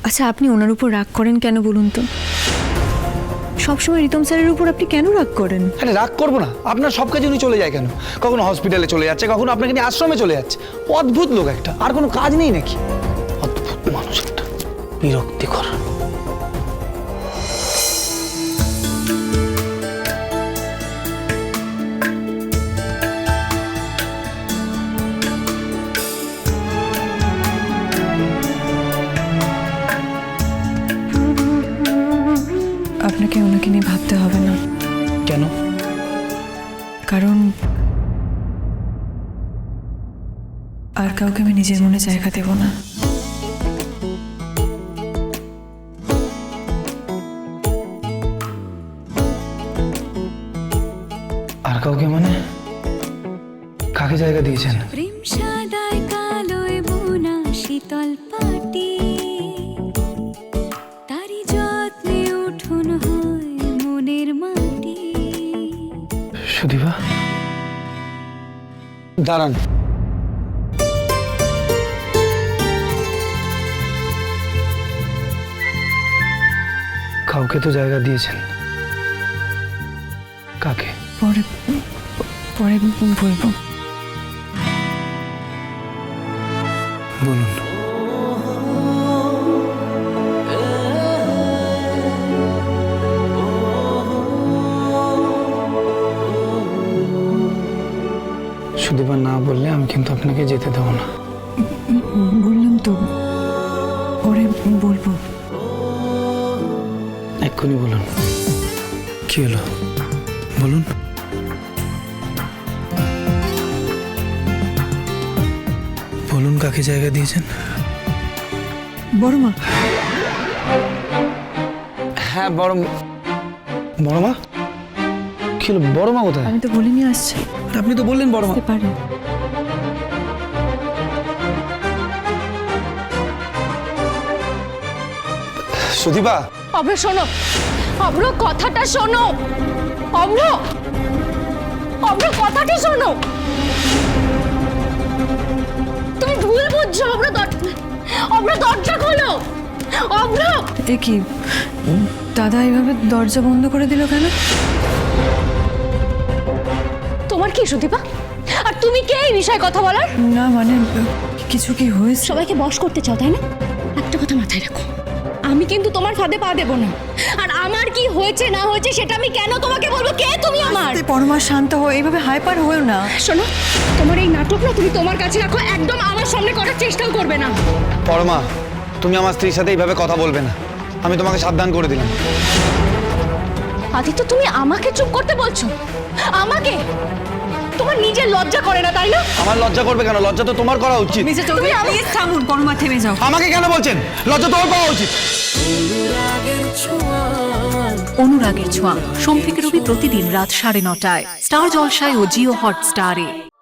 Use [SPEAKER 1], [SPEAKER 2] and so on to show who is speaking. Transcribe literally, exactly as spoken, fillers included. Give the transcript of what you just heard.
[SPEAKER 1] আচ্ছা, আপনি ওনার উপর রাগ করেন কেন বলুন তো? সবসময় রিতম স্যারের উপর আপনি কেন রাগ করেন?
[SPEAKER 2] আরে রাগ করবো না, আপনার সব কাজে উনি চলে যায় কেন? কখনো হসপিটালে চলে যাচ্ছে, কখনো আপনাকে নিয়ে আশ্রমে চলে যাচ্ছে। অদ্ভুত লোক একটা, আর কোনো কাজ নেই নাকি? অদ্ভুত মানুষ একটা, বিরক্তিকর।
[SPEAKER 1] আপনাকে ওনাকে নিয়ে ভাবতে হবে না।
[SPEAKER 2] কেন?
[SPEAKER 1] কারণ আর কাউকে আমি নিজের মনে জায়গা দেব না।
[SPEAKER 2] আর কাউকে মানে? কাকে জায়গা দিয়েছেন?
[SPEAKER 3] প্রেম সাদায় কালোয় বোনা শীতল পাটি, তারি যত্নে উঠুন হয় মনের মাটি।
[SPEAKER 2] সুদীপা, দাঁড়ান। কাউকে তো জায়গা দিয়েছেন, কাকে?
[SPEAKER 1] পরে পরে বলবো।
[SPEAKER 2] বলুন। সুদীপা, না বললে আমি কিন্তু আপনাকে যেতে দেবো না।
[SPEAKER 1] বললাম তো, পরে বলবো।
[SPEAKER 2] এক্ষুনি বলুন, কি হলো বলুন। বলুন, কাকে জায়গা দিয়েছেন?
[SPEAKER 1] বড় মা।
[SPEAKER 2] হ্যাঁ, বড় বড় মা। কি হলো, বড় মা কোথায়?
[SPEAKER 1] আমি তো বলিনি আসছে।
[SPEAKER 2] আর আপনি তো বললেন বড় মা।
[SPEAKER 1] পারে।
[SPEAKER 2] সুদীপা।
[SPEAKER 3] অভ্র শোনো, অভ্র কথাটা শোনো, অভ্র অভ্র কথাটা শোনো। তুমি ভুল বুঝছো অভ্র। অভ্র দরজা খোলো, অভ্র।
[SPEAKER 1] এ কি, দাদা এইভাবে দরজা বন্ধ করে দিল কেন?
[SPEAKER 3] তোমার কি সুদীপা? আর তুমি কে এই বিষয়ে কথা বলার?
[SPEAKER 1] না মানে কিছু কি হয়েছে?
[SPEAKER 3] সবাইকে বশ করতে চাও তাই না? একটা কথা মাথায় রাখো, আমি কিন্তু তোমার ফাঁদে পা দেবো না। আর আমার কি হয়েছে না হয়েছে সেটা আমি কেন তোমাকে বলবো? কে তুমি আমার?
[SPEAKER 1] পরমা, শান্ত হও, এইভাবে হাইপার হয়েও না।
[SPEAKER 3] শোনো, তোমার এই নাটক না তুমি তোমার কাছে রাখো, একদম আমার সামনে করার চেষ্টাও করবে না।
[SPEAKER 2] পরমা, তুমি আমার স্ত্রীর সাথে এইভাবে কথা বলবে না, আমি তোমাকে সাবধান করে দিলাম।
[SPEAKER 3] আদিত্য, তুমি আমাকে চুপ করতে বলছো? আমাকে? তোমার নিজের লজ্জা করে না তাই না?
[SPEAKER 2] আমার লজ্জা করবে কেন? লজ্জা তো তোমার করা উচিত।
[SPEAKER 1] মিস্টার চৌধুরী, প্লিজ থামুন। পরমা, থেমে যাও।
[SPEAKER 2] আমাকে কেন বলছেন? লজ্জা তোমার পাওয়া উচিত।
[SPEAKER 4] অনুরাগের ছোঁয়া সোম থেকে রবি প্রতিদিন রাত সাড়ে নটায় স্টার জলসায় ও জিও হটস্টারে।